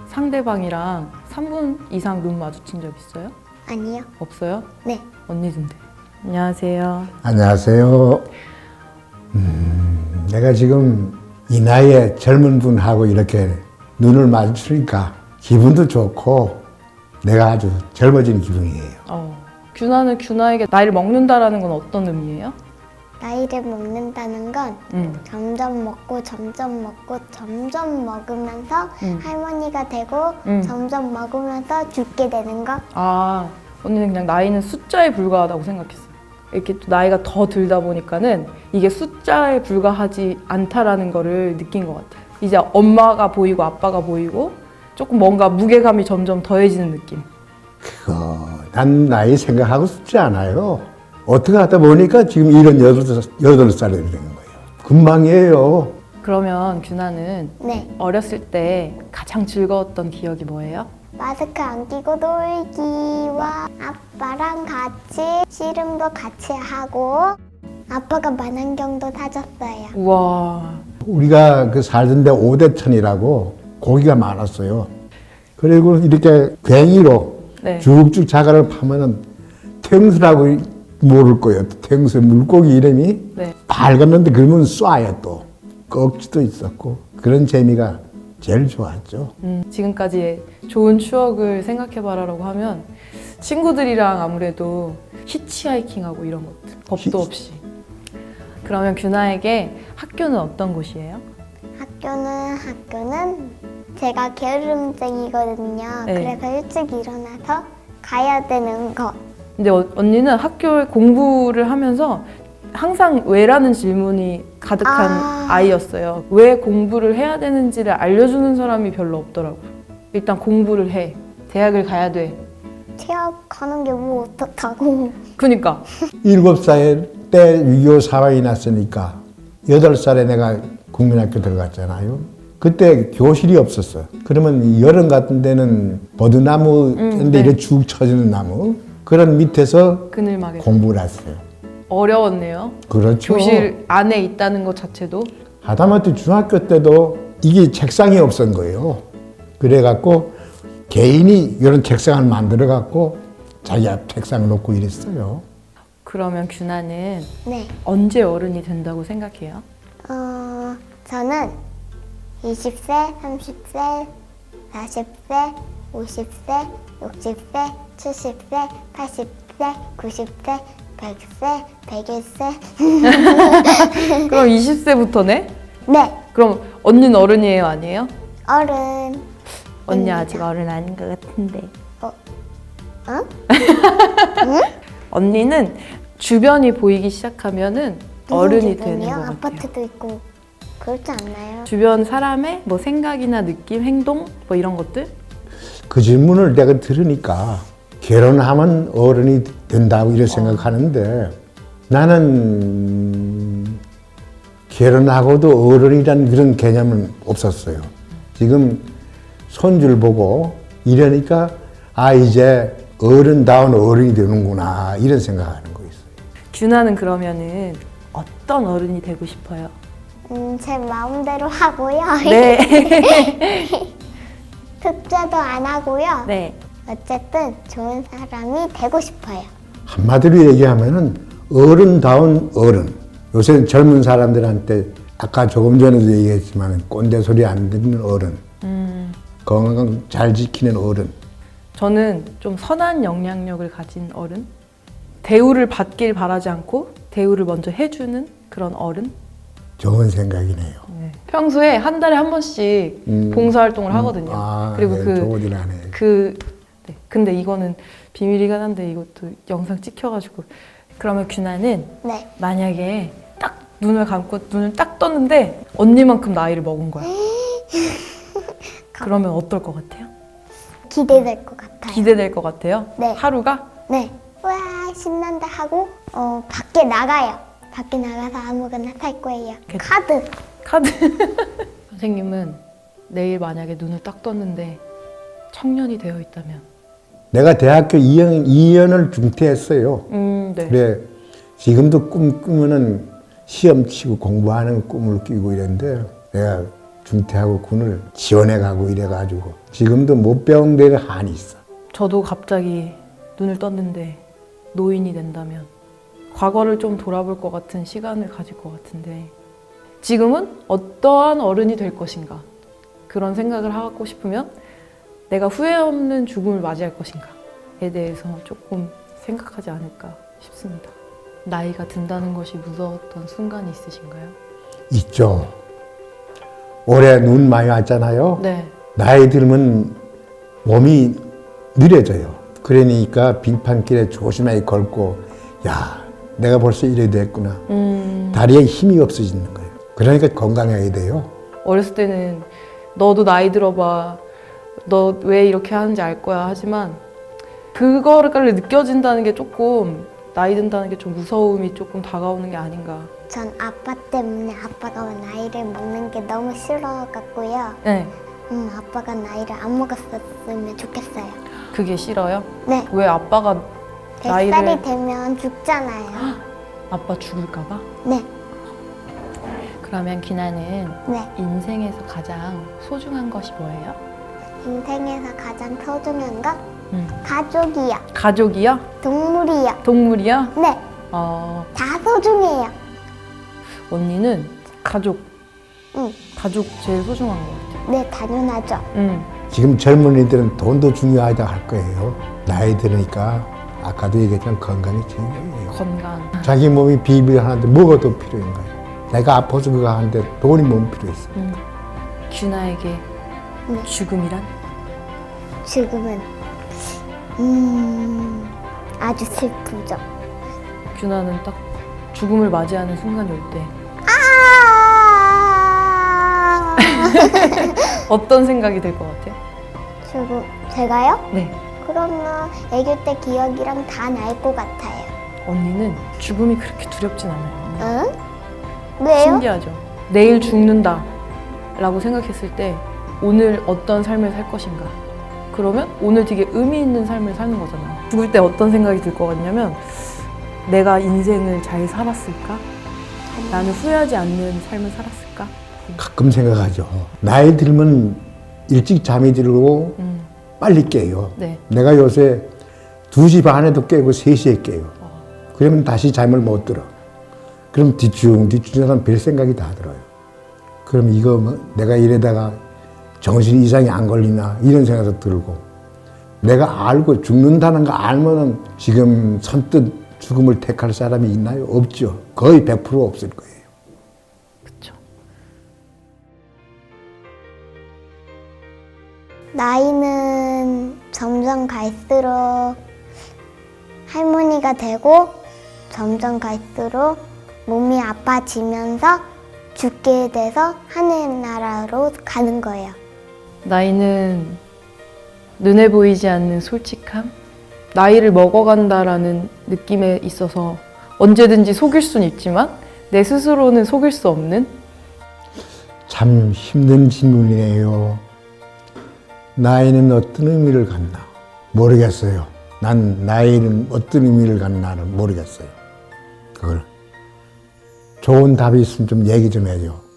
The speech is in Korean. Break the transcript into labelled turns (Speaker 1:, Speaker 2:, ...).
Speaker 1: 상대방이랑 3분 이상 눈 마주친 적 있어요?
Speaker 2: 아니요.
Speaker 1: 없어요?
Speaker 2: 네.
Speaker 1: 언니든데. 안녕하세요.
Speaker 3: 안녕하세요. 내가 지금 이 나이에 젊은 분하고 이렇게 눈을 마주치니까 기분도 좋고 내가 아주 젊어진 기분이에요.
Speaker 1: 규나는 규나에게 나이를 먹는다라는 건 어떤 의미예요?
Speaker 2: 나이를 먹는다는 건 점점 먹고 점점 먹고 점점 먹으면서 할머니가 되고 점점 먹으면서 죽게 되는 거.
Speaker 1: 아, 언니는 그냥 나이는 숫자에 불과하다고 생각했어요. 이렇게 또 나이가 더 들다 보니까는 이게 숫자에 불과하지 않다라는 거를 느낀 것 같아요. 이제 엄마가 보이고 아빠가 보이고 조금 뭔가 무게감이 점점 더해지는 느낌.
Speaker 3: 난 나이 생각하고 싶지 않아요. 어떻게 하다 보니까 지금 78살이 된 거예요. 금방이에요.
Speaker 1: 그러면 규나는
Speaker 2: 네.
Speaker 1: 어렸을 때 가장 즐거웠던 기억이 뭐예요?
Speaker 2: 마스크 안 끼고 놀기와 아빠랑 같이 씨름도 같이 하고 아빠가 만안경도 사줬어요.
Speaker 1: 우와.
Speaker 3: 우리가 그 살던 데 오대천이라고 고기가 많았어요. 그리고 이렇게 괭이로
Speaker 1: 네.
Speaker 3: 쭉쭉 자갈을 파면은 탱수라고 모를 거예요. 탱수 물고기 이름이
Speaker 1: 네.
Speaker 3: 밝았는데 그러면 쏴요 또. 꺽지도 있었고 그런 재미가 제일 좋았죠.
Speaker 1: 지금까지의 좋은 추억을 생각해봐라라고 하면 친구들이랑 아무래도 히치하이킹하고 이런 것들 법도 없이. 그러면 규나에게 학교는 어떤 곳이에요?
Speaker 2: 학교는 제가 게으름쟁이거든요.
Speaker 1: 네.
Speaker 2: 그래서 일찍 일어나서 가야 되는 거.
Speaker 1: 근데 언니는 학교에 공부를 하면서 항상 왜라는 질문이 가득한 아이였어요. 왜 공부를 해야 되는지를 알려주는 사람이 별로 없더라고요. 일단 공부를 해. 대학을 가야 돼.
Speaker 2: 대학 가는 게 뭐 어떻다고.
Speaker 1: 그니까.
Speaker 3: 7살 때 6.25 사황이 났으니까 8살에 내가 국민학교 들어갔잖아요. 그때 교실이 없었어. 그러면 여름 같은 데는 버드나무인데
Speaker 1: 네.
Speaker 3: 이렇게 쭉 쳐지는 나무 그런 밑에서
Speaker 1: 그늘막에.
Speaker 3: 공부를 했어요.
Speaker 1: 어려웠네요.
Speaker 3: 그렇죠.
Speaker 1: 교실 안에 있다는 것 자체도.
Speaker 3: 하다못해 중학교 때도 이게 책상이 없었던 거예요. 그래갖고 개인이 이런 책상을 만들어갖고 자기 앞 책상을 놓고 이랬어요.
Speaker 1: 그러면 규나는
Speaker 2: 네.
Speaker 1: 언제 어른이 된다고 생각해요?
Speaker 2: 저는 20세, 30세, 40세, 50세, 60세, 70세, 80세, 90세, 100세, 101세.
Speaker 1: 그럼 20세부터네?
Speaker 2: 네.
Speaker 1: 그럼 언니는 어른이에요, 아니에요?
Speaker 2: 어른.
Speaker 1: 언니 아직 어른 아닌 것 같은데.
Speaker 2: 어?
Speaker 1: 언니는 주변이 보이기 시작하면은 어른이 되는 것 같아요.
Speaker 2: 아파트도 있고 그렇지 않나요?
Speaker 1: 주변 사람의 뭐 생각이나 느낌, 행동 뭐 이런 것들?
Speaker 3: 그 질문을 내가 들으니까 결혼하면 어른이 된다고 이렇게 생각하는데 나는 결혼하고도 어른이라는 그런 개념은 없었어요. 지금 손주를 보고 이러니까 아 이제 어른다운 어른이 되는구나 이런 생각하는 거 있어요.
Speaker 1: 규나는 그러면은 어떤 어른이 되고 싶어요?
Speaker 2: 제 마음대로 하고요.
Speaker 1: 네.
Speaker 2: 특제도 안 하고요.
Speaker 1: 네.
Speaker 2: 어쨌든 좋은 사람이 되고 싶어요.
Speaker 3: 한마디로 얘기하면은 어른다운 어른. 요새 젊은 사람들한테 아까 조금 전에도 얘기했지만 꼰대 소리 안 듣는 어른. 건강 잘 지키는 어른.
Speaker 1: 저는 좀 선한 영향력을 가진 어른? 대우를 받길 바라지 않고 대우를 먼저 해주는 그런 어른?
Speaker 3: 좋은 생각이네요.
Speaker 1: 네. 평소에 한 달에 한 번씩 봉사활동을 하거든요. 그리고
Speaker 3: 네, 좋은 일 하네.
Speaker 1: 네. 근데 이거는 비밀이긴 한데 이것도 영상 찍혀가지고. 그러면 규나는
Speaker 2: 네.
Speaker 1: 만약에 딱 눈을 감고 눈을 딱 떴는데 언니만큼 나이를 먹은 거야. 그러면 어떨 것 같아요?
Speaker 2: 기대될 것 같아요.
Speaker 1: 기대될 것 같아요?
Speaker 2: 네.
Speaker 1: 하루가?
Speaker 2: 네. 와 신난다 하고 밖에 나가요. 밖에 나가서 아무거나 살 거예요. 카드.
Speaker 1: 선생님은 내일 만약에 눈을 딱 떴는데 청년이 되어 있다면?
Speaker 3: 내가 대학교 2년을 중퇴했어요.
Speaker 1: 네.
Speaker 3: 그래 지금도 꿈 꾸면은 시험 치고 공부하는 꿈을 꾸고 이랬는데 내가 중퇴하고 군을 지원해가고 이래가지고 지금도 못 배운 데는 한이 있어.
Speaker 1: 저도 갑자기 눈을 떴는데 노인이 된다면 과거를 좀 돌아볼 것 같은 시간을 가질 것 같은데 지금은 어떠한 어른이 될 것인가 그런 생각을 하고 싶으면 내가 후회 없는 죽음을 맞이할 것인가에 대해서 조금 생각하지 않을까 싶습니다. 나이가 든다는 것이 무서웠던 순간이 있으신가요?
Speaker 3: 있죠. 올해 눈 많이 왔잖아요.
Speaker 1: 네.
Speaker 3: 나이 들면 몸이 느려져요. 그러니까 빙판길에 조심하게 걸고 야 내가 벌써 이래 됐구나. 다리에 힘이 없어지는 거예요. 그러니까 건강해야 돼요.
Speaker 1: 어렸을 때는 너도 나이 들어봐. 너 왜 이렇게 하는지 알 거야. 하지만 그거를 느껴진다는 게 조금 나이 든다는 게 좀 무서움이 조금 다가오는 게 아닌가.
Speaker 2: 전 아빠 때문에 아빠가 나이를 먹는 게 너무 싫어갖고요.
Speaker 1: 네.
Speaker 2: 아빠가 나이를 안 먹었었으면 좋겠어요.
Speaker 1: 그게 싫어요?
Speaker 2: 네.
Speaker 1: 왜 아빠가
Speaker 2: 100살이
Speaker 1: 나이를
Speaker 2: 되면 죽잖아요.
Speaker 1: 아빠 죽을까 봐?
Speaker 2: 네.
Speaker 1: 그러면 기나는
Speaker 2: 네.
Speaker 1: 인생에서 가장 소중한 것이 뭐예요?
Speaker 2: 인생에서 가장 소중한 건 가족이요.
Speaker 1: 가족이야?
Speaker 2: 동물이요.
Speaker 1: 동물이야?
Speaker 2: 네.
Speaker 1: 다
Speaker 2: 소중해요.
Speaker 1: 언니는 가족.
Speaker 2: 응.
Speaker 1: 가족 제일 소중한 것 같아.
Speaker 2: 네, 당연하죠.
Speaker 3: 지금 젊은이들은 돈도 중요하다 할 거예요. 나이 들으니까 아까도 얘기했지만 건강이 중요해요.
Speaker 1: 건강.
Speaker 3: 자기 몸이 비빌하는데 뭐가 더 필요한 거예요. 내가 아파서 그거 하는데 돈이 몸 필요했어.
Speaker 1: 규나에게
Speaker 2: 네.
Speaker 1: 죽음이란?
Speaker 2: 지금은 아주 슬프죠.
Speaker 1: 규나는 딱 죽음을 맞이하는 순간이 올 때
Speaker 2: 아!
Speaker 1: 어떤 생각이 들 것 같아요?
Speaker 2: 지금 제가요?
Speaker 1: 네.
Speaker 2: 그러면 아기 때 기억이랑 다 날 것 같아요.
Speaker 1: 언니는 죽음이 그렇게 두렵진 않아요.
Speaker 2: 응? 왜요?
Speaker 1: 신기하죠? 내일 죽는다 라고 생각했을 때 오늘 어떤 삶을 살 것인가. 그러면 오늘 되게 의미 있는 삶을 사는 거잖아. 죽을 때 어떤 생각이 들 것 같냐면 내가 인생을 잘 살았을까? 나는 후회하지 않는 삶을 살았을까?
Speaker 3: 가끔 생각하죠. 나이 들면 일찍 잠이 들고 빨리 깨요.
Speaker 1: 네.
Speaker 3: 내가 요새 2시 반에도 깨고 3시에 깨요. 그러면 다시 잠을 못 들어. 그럼 뒤충하면 별 생각이 다 들어요. 그럼 이거 뭐 내가 이러다가 정신 이상이 안 걸리나 이런 생각도 들고 내가 알고 죽는다는 거 알면은 지금 선뜻 죽음을 택할 사람이 있나요? 없죠. 거의 100% 없을 거예요.
Speaker 1: 그렇죠.
Speaker 2: 나이는 점점 갈수록 할머니가 되고 점점 갈수록 몸이 아파지면서 죽게 돼서 하늘나라로 가는 거예요.
Speaker 1: 나이는 눈에 보이지 않는 솔직함? 나이를 먹어간다라는 느낌에 있어서 언제든지 속일 수는 있지만 내 스스로는 속일 수 없는?
Speaker 3: 참 힘든 질문이네요. 나이는 어떤 의미를 갖나? 모르겠어요. 난 나이는 어떤 의미를 갖나는 모르겠어요. 그걸 좋은 답이 있으면 좀 얘기 좀 해줘.